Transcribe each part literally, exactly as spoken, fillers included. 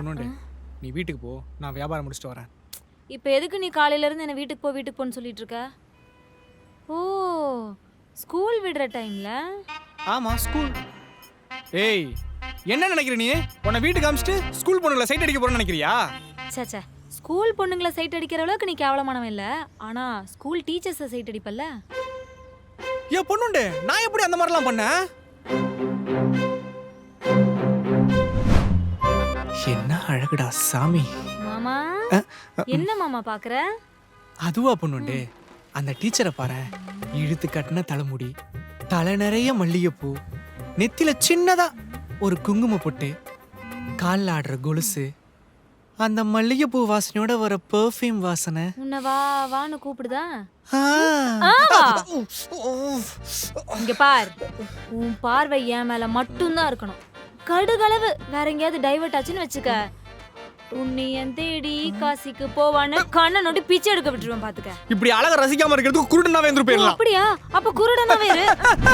பொண்ணுண்டு நீ வீட்டுக்கு போ, நான் வியாபாரம் முடிச்சுட்டு வரேன். இப்போ எதுக்கு நீ காலையில இருந்து என்ன வீட்டுக்கு போ வீட்டுக்கு போன்னு சொல்லிட்டு இருக்க? ஓ, ஸ்கூல் விடுற டைம்ல? ஆமா ஸ்கூல். ஏய் என்ன நினைக்கிற நீ? உன்னை வீட்டுக்கு அமிச்சிட்டு ஸ்கூல் பொண்ணுங்களை சைட் அடிக்க போறேன்னு நினைக்கிறியா? சச்சா, ஸ்கூல் பொண்ணுங்களை சைட் அடிக்கிற அளவுக்கு நீ கேவலமானவன் இல்ல. ஆனா ஸ்கூல் டீச்சர்ஸை சைட் அடிப்பல்ல? ஏன் பொண்ணுண்டு நான் எப்படி அந்த மாதிரிலாம் பண்ணேன்? என்ன அழகுடா சாமி. மாமா என்ன மாமா பாக்குற? அதுவா பொண்ணுண்டு, அந்த டீச்சரை பாரு. இழுத்து கட்டின தலைமுடி, தலை நிறைய மல்லிகைப்பூ, நெத்தில சின்னதா ஒரு குங்கும பொட்டு, காலில் ஆடுற கொலுசு, அந்த மல்லிகைப்பூ வாசனையோட வர பெர்ஃப்யூம் வாசனை. உன்னை வா வான்னு கூப்பிடுதா? ஆ. இங்க பார், உன் பார்வை என் மேல மட்டும்தான் இருக்கணும். கடுகளவு வேற எங்கேயாவது டைவர்ட் ஆச்சுன்னு வச்சுக்க, உன்னை என் தேடி காசிக்கு போவான்னு கண்ணை நோட்டி பிச்சை எடுக்க விட்டுருவேன் பாத்துக்க. இப்படி அழக ரசிக்காம இருக்கிறதுக்கு குருடனாவே இருந்து போயிடலாம். அப்படியா? அப்ப குருடனாவே இரு.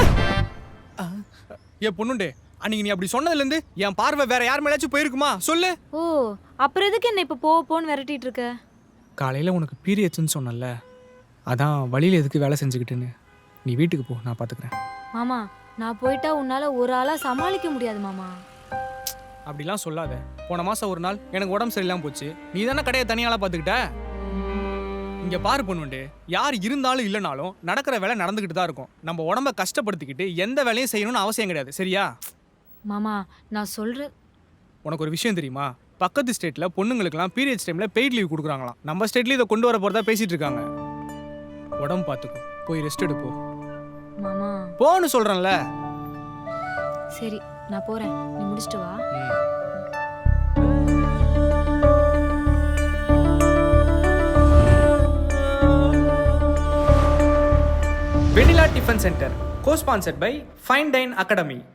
ஏ பொண்ணுண்டு, அன்னைக்கு நீ அப்படி சொன்னதுல இருந்து என் பார்வை வேற யார் மேலாச்சும் போயிருக்குமா சொல்லு? ஓ, அப்புறம் எதுக்கு என்ன இப்ப போ போன்னு விரட்டிட்டு இருக்க? காலையில உனக்கு பீரியட்ஸ்னு சொன்னல, அதான் வழியில எதுக்கு வேலை செஞ்சுக்கிட்டுன்னு. நீ வீட்டுக்கு போ, நான் பாத்துக்கிறேன். மாமா, நான் போயிட்டா உன்னால ஒரு ஆளா சமாளிக்க முடியாது மாமா. அப்படிலாம் சொல்லாத. போன மாசம் ஒரு நாள் எனக்கு உடம்பு சரியில்லாம போச்சு, நீ தானே கடையை தனியால பாத்துக்கிட்ட. இங்க பாரு பொண்ணுண்டு, யார் இருந்தாலும் இல்லைனாலும் நடக்கிற வேலை நடந்துகிட்டு தான் இருக்கும். நம்ம உடம்ப கஷ்டப்படுத்திக்கிட்டு எந்த வேலையும் செய்யணும்னு அவசியம் கிடையாது, சரியா? மாமா நான் சொல்ற, உனக்கு ஒரு விஷயம் தெரியுமா? பக்கத்து ஸ்டேட்ல பொண்ணுங்களுக்குலாம் பீரியட்ஸ் டைம்ல பெய்ட் லீவ் கொடுக்குறாங்களாம். நம்ம ஸ்டேட்ல இதை கொண்டு வர போறதா பேசிட்டு இருக்காங்க. உடம்பு பார்த்துக்கோ, போய் ரெஸ்ட் எடுப்போ. மாமா போன்னு சொல்றேன்ல. சரி நான் போறேன், நீ முடிச்சிட்டு வா. Vanilla tiffin centre, co-sponsored by Fine Dine Academy.